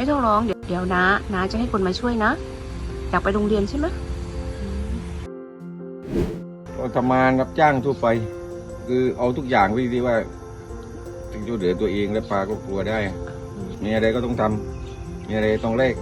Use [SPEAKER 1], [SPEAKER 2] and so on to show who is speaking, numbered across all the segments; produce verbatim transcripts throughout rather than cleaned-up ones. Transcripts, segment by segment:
[SPEAKER 1] ต้องร้องเดี๋ยวเดี๋ยวนะนะจะให้คนมาช่วยนะอยากไปโรงเรียนใช่ไหม
[SPEAKER 2] ก็ทำงานรับจ้างทั่วไปคือเอาทุกอย่างไว้ที่ว่าถึงจะเหลือตัวเองและปลาก็กลัวได้มีอะไรก็ต้องทำมีอะไรต้องแลก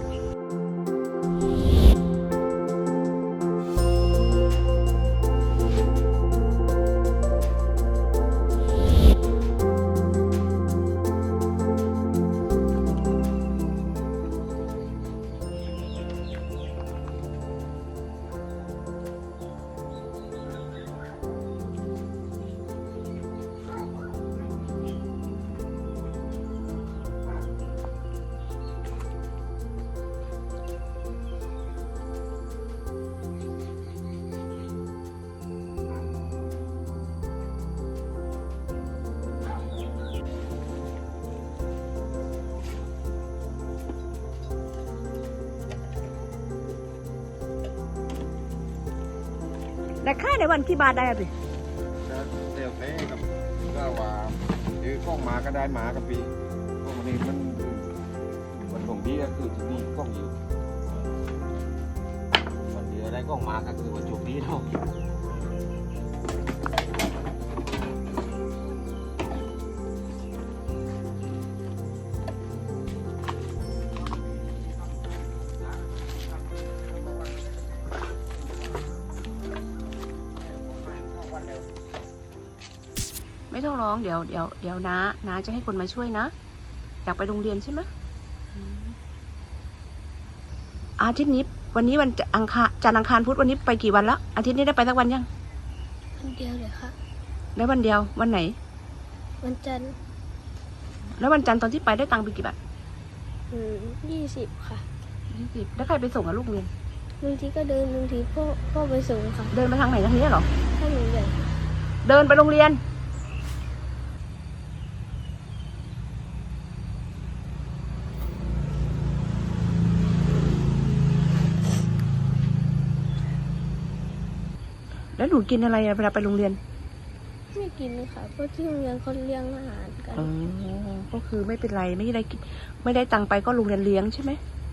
[SPEAKER 1] แต่ค่าในวันที่บาทได้สิ
[SPEAKER 2] เดี๋ยวเต้กับก็ว่าคือกล้องหมาก็ได้หมากับปีพวกนี้มันมันของดีก็คือที่นี่กล้องอยู่วันเดียวได้กล้องหมาก็คือวันโชคดีเท่า
[SPEAKER 1] ไม่ต้องร้องเดี๋ยวเดี๋ยวเดี๋ยวนะนะจะให้คนมาช่วยนะอยากไปโรงเรียนใช่ไหมอาทิตย์นี้วันนี้วันอังคารจันทร์อังคารพุธวันนี้ไปกี่วันละอาทิตย์นี้ได้ไปสักวันยัง
[SPEAKER 3] วันเดียวเลยค่ะ
[SPEAKER 1] ได้วันเดียววันไหน
[SPEAKER 3] วันจันทร์
[SPEAKER 1] แล้ววันจันทร์ตอนที่ไปได้ตังค์ไปกี่บาท
[SPEAKER 3] อืมยี่สิบค่ะ
[SPEAKER 1] ยี่สิบแล้วใครไปส่งอะลูกเรียน
[SPEAKER 3] บางทีก็เดินบางทีพ่อพ่อไปส่งค่ะ
[SPEAKER 1] เดินไปทางไหนทางนี้เหรอ
[SPEAKER 3] ถ้าหนูใหญ่
[SPEAKER 1] เดินไปโรงเรียนแล้วหนูกินอะไรอะเวลาไปโรงเรียน
[SPEAKER 3] ไม่กินค่ะเพราะที่โรงเรียนเขาเลี้ยงอาหารกัน
[SPEAKER 1] อ๋อก็คือไม่เป็นไรไม่ได้กินไม่ได้ตังค์ไปก็โรงเรียนเลี้ยงใช่ไหม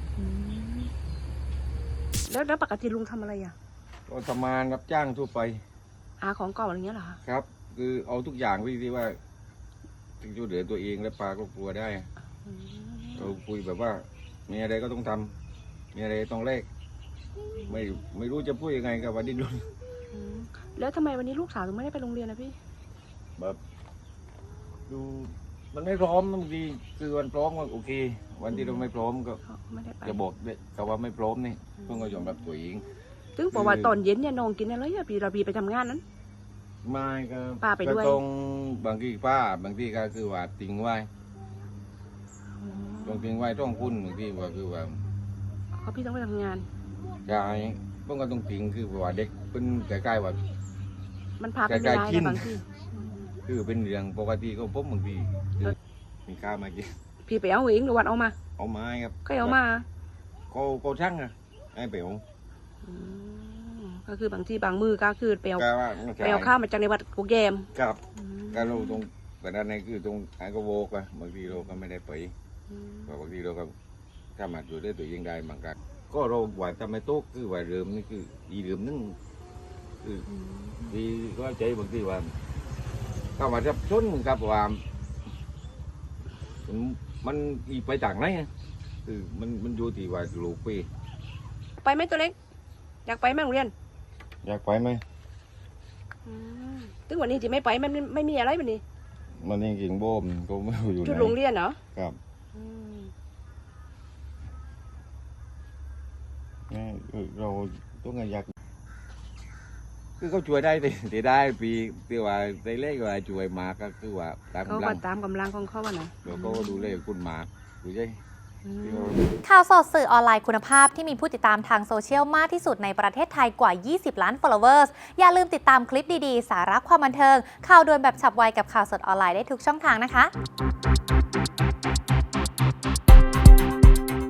[SPEAKER 1] แล้วแล้วปกติลุงทำอะไรอ่ะ
[SPEAKER 2] ก็ทำงานรับจ้างทั่วไป
[SPEAKER 1] หาของเก่าอะไรเงี้ยเหรอ
[SPEAKER 2] ครับคือเอาทุกอย่างไว้ที่ว่าถึงจะเหลือตัวเองและปลาก็กลัวได้เราคุยแบบว่ามีอะไรก็ต้องทำมีอะไรต้องแลกไม่ไม่รู้จะพูดยังไงกับวันดิ้นรน
[SPEAKER 1] แล้วทำไมวันนี้ลูกสาวถึงไม่ได้ไปโรงเรียนนะพี่
[SPEAKER 2] แบบดูมันไม่พร้อมบางทีคือวันพร้อมก็โอเควันที่เราไม่พร้อมก็จะบอกแต่ว่าไม่พร้อมนี่เพิ่งก็ยอมรับตัวเอง
[SPEAKER 1] ถึงบอกว่าตอนเย็นเนี่ยน้องกินอะไรอะพี่เราพี่ไปทำงานนั้น
[SPEAKER 2] ไม่ก็
[SPEAKER 1] ป้าไปด้วย
[SPEAKER 2] ตรงบางทีป้าบางทีก็คือว่าทิ้งไว้ต้องทิ้งไว้ต้องคุ้นบางทีว่าคือว่า
[SPEAKER 1] เขาพี่ต้องไปทำงาน
[SPEAKER 2] ใช่เพิ่งก็ต้องทิ้งคือว่าเด็กเป็นใกล้ๆว่า
[SPEAKER 1] มันพาไปไม่ได้นะบางที
[SPEAKER 2] คือเป็นเรื่องปกติก็พบบางทีมีข้าวมากิน
[SPEAKER 1] พี่ไปเอาเองหรือวันเอามา
[SPEAKER 2] เอาไม้ครับ
[SPEAKER 1] ก็เอามา
[SPEAKER 2] ก็ก็ช่างอะไอ้เป๋ว
[SPEAKER 1] ก็คือบางทีบางมือก็คือไปเอาไปเอาข้าวมาจากในวัดกูแกม
[SPEAKER 2] ครับการเราตรงแต่ด้านในคือตรงไอ้ก็โวกอะบางทีเราก็ไม่ได้ไปบางทีเราก็ถ้ามาอยู่ได้ตัวเองได้บางครั้งก็เราหวานทำไม่โต๊ะคือหวานเริ่มนี่คืออีเริ่มนึงคือดีก็ใจบางทีว่าเข้ามาจับชนกับว่ามันอีไปต่างไหนคือมันมันอยู่ที่ว่าลูกไป
[SPEAKER 1] ไปไหมตัวเล็กอยากไปไหมโรงเรียน
[SPEAKER 2] อยากไปไหม
[SPEAKER 1] ถึงวันนี้จะไม่ไปมันไม่มีอะไรวันนี้
[SPEAKER 2] มันยังกินโบมก็ไม่อยู่ไหน
[SPEAKER 1] ชุดโรงเรียนเหรอ
[SPEAKER 2] ครับเราต้องอยากคือเขาช่วยได้แต่ได้ปีที่ว่าได้เล็กว่าช่วยมาก็คือว่าตามกำลัง
[SPEAKER 1] ตามกำลังของเขาว่าไง
[SPEAKER 2] เราก็ดูแลคุณมาดูใช่
[SPEAKER 4] ข่าวสดสื่อออนไลน์คุณภาพที่มีผู้ติดตามทางโซเชียลมากที่สุดในประเทศไทยกว่ายี่สิบล้าน followers อย่าลืมติดตามคลิปดีๆสาระความบันเทิงข่าวด่วนแบบฉับไวกับข่าวสดออนไลน์ได้ทุกช่องทางนะคะ